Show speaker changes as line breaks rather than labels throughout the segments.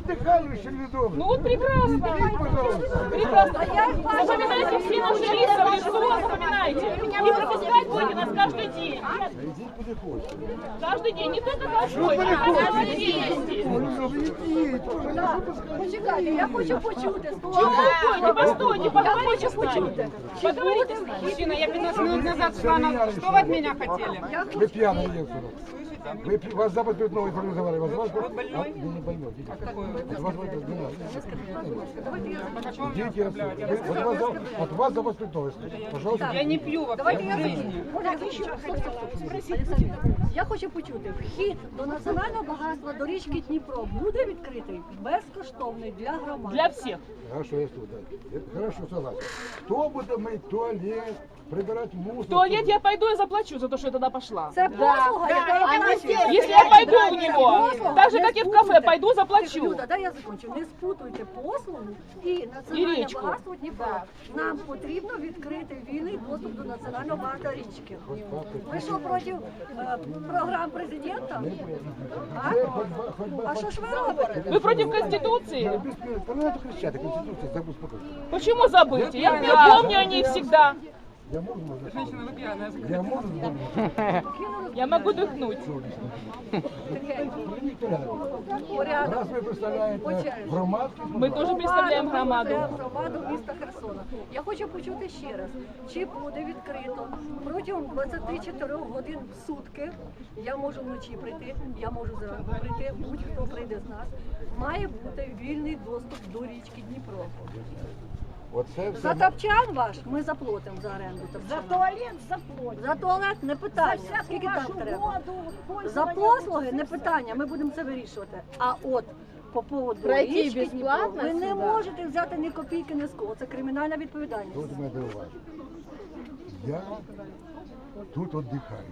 отдыхали еще не дома.
Ну вот прекрасно.
Пожалуйста.
Прекрасно. Запоминайте все наши лица, вы что запоминайте. Не пропускать будете нас каждый день.
Иди куда хочешь.
Каждый день, не только каждый день, а каждый день.
Почекайте, я хочу почути.
Чего? Постойте, поговорите с нами. Поговорите с нами.
Мужчина, я 15 минут назад шла на... Что вы от меня хотели?
Вы пьяный едете. Вас запад перед новой формировали. Вас больной? Вы не больной. Вас от вас запад перед новой. Пожалуйста.
Я не пью вообще в жизни.
Я хочу почути, вхід до національного багатства, до річки Дніпро буде відкритий безкоштовний для громади.
Для всех.
Хорошо, я тут. Хорошо, согласен. Кто будет мыть туалет, прибирать мусор?
В туалет я пойду и заплачу за то, что я туда пошла.
Це послуга, яка оплачується.
Если я пойду у него, так же, как и в кафе, пойду заплачу.
Люда, дай я закончу. Не спутуйте послугу і національне
річку.
багатство Дніпро. Нам потрібно відкрити вільний доступ до національного багатства річки. Ви що, проти програм президента? А що ж ви робите?
Вы против Конституции?
Ну, это кричать, Конституция, забудь спокойно.
Почему забыть? Я помню о ней всегда.
Я могу,
Женщина, вы пьяная.
я могу.
Я могу дыхнуть.
Раз вы представляете громадский,
Мы тоже представляем громаду.
Громаду міста Херсона. Я хочу почути ще раз, чи буде відкрито протягом 24 годин в сутки, я можу вночі прийти, я можу зранку прийти, будь-хто прийде з нас, має бути вільний доступ до річки Дніпро.
Оце
За
все.
топчан ваш ми заплатимо за оренду топчана.
За туалет заплатить.
За туалет не питання,
За всяку
скільки там
вашу
треба.
воду,
За
пользование.
послуги не питання, ми будемо це вирішувати. А от по поводу
Пройти
річки Дніпро
безплатно
ви не
сюди?
можете взяти ні копійки, ні з кого. Це кримінальна відповідальність.
Тут мене дивуває. Я тут віддихаю.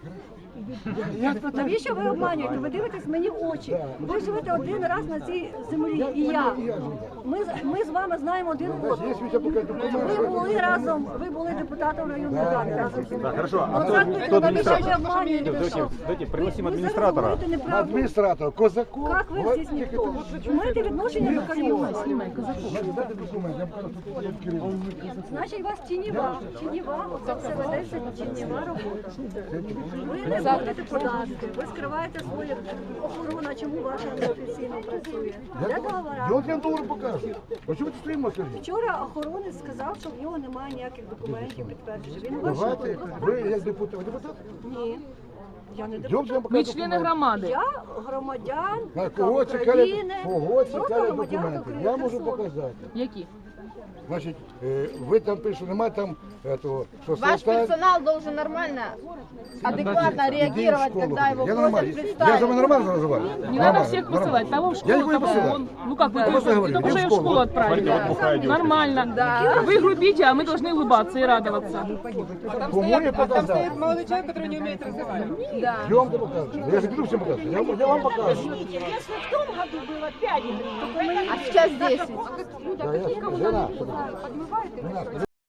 Навіщо ви обманюєте? Ви дивитесь мені в очі. Ви живете один раз на цій землі, і я. Ми з вами знаємо один одного.
Є свій поки документ.
Ви були разом, ви були депутатом районної ради разом зі мною.
Хорошо, а
Навіщо ви обманюєте? що?
Давайте пригласим
Ви зараз
администратора.
говорите неправду.
Адміністратор, Козаков.
Як ви здесь ніхто? Маєте відношення до Києва?
Дайте документ, я покажу, що тут керівник.
Значить, у вас тіньова, оце все ведеться тіньова робота. Ви не платите податки, ви скриваєте свою охорону, чому ваша неофіційно працює. Де
Я
договора?
от я долар покажу. А чому ти стоїмо, скажіть?
Вчора охоронець сказав, що в нього немає ніяких документів підтверджуючих. Він вийшов.
Давайте, ви як депутат,
Ні. Я не
Йдемте,
депутат.
я покажу
Мы члены
документи.
громады.
Я громадянка
На кого чекали,
України.
кого
Просто
чекали
громадянка
документи?
України.
Я можу
Херсона.
показати.
Які?
Значить, ви там пишете, немає там этого, що
Ваш персонал должен нормально, адекватно реагировать, когда его
Я
просят
нормально. Я за
представить.
вами нормально называю?
Не надо всех посылать. Того в
Я
школу,
никого не
того
посылаю.
вон. Ну как, вы
Я просто говорю,
только
иди
уже
в
в школу
школу.
отправили.
вот бухая девушка.
Нормально. Вы грубите, а мы должны улыбаться и радоваться.
Кому я
Там
показав?
стоит молодой человек, который не умеет разговаривать.
Йдемте покажу. Я же буду всем показывать. Я вам покажу.
Если в том году было 5
А сейчас 10.
Да, я, жена,